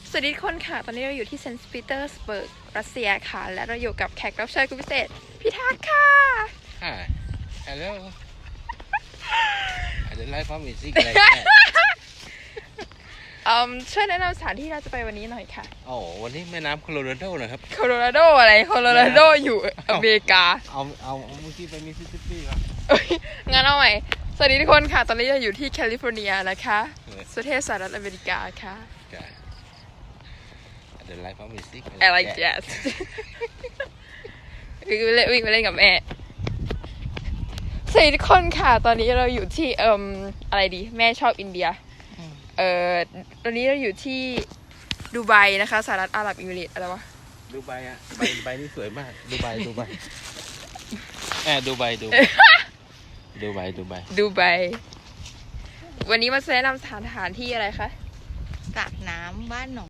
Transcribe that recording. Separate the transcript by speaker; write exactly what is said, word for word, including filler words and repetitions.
Speaker 1: สวัสดีทุกคนค่ะตอนนี้เราอยู่ที่เซนต์ปีเตอร์สเบิร์กรัสเซียค่ะและเราอยู่กับแขกรับเชิญคุณพิเศษพี่ทักค่ะ
Speaker 2: Hi hello I don't like how music like that
Speaker 1: อืมช่วยแนะนำสถานที่เราจะไปวันนี้หน่อยค่ะ
Speaker 2: โอ้วันนี้แม่น้ำโคโลราโดนะครับ
Speaker 1: โคโลราโดอะไรโคโลราโดอยู่อเมริกา
Speaker 2: เอาเอาเอาเมื่อกี้ไปมิสซิสซิปปีครับ
Speaker 1: เอ้ยงั้นเอาใหม่สวัสดีทุกคนค่ะตอนนี้เราอยู่ที่แคลิฟอร์เนียนะคะประเทศสหรัฐอเมริกาค่ะ
Speaker 2: I don't like how music
Speaker 1: I like jazz วิ่งไปเล่นวิ่งไปเล่นกับแม่สวัสดีทุกคนค่ะตอนนี้เราอยู่ที่เอ่มอะไรดีแม่ชอบอินเดียเอ่อตอนนี้เราอยู่ที่ดูไบนะคะสหรัฐอาหรับเอมิเรตส์อะไรวะ
Speaker 2: ดูไบอ่ะใบใบนี่สวยมากดูไบดูไบแอบดูไบดูดูไบดูไบ
Speaker 1: ดูไบวันนี้มาแนะนำสถานที่อะไรคะ
Speaker 3: สระน้ำบ้านหนอง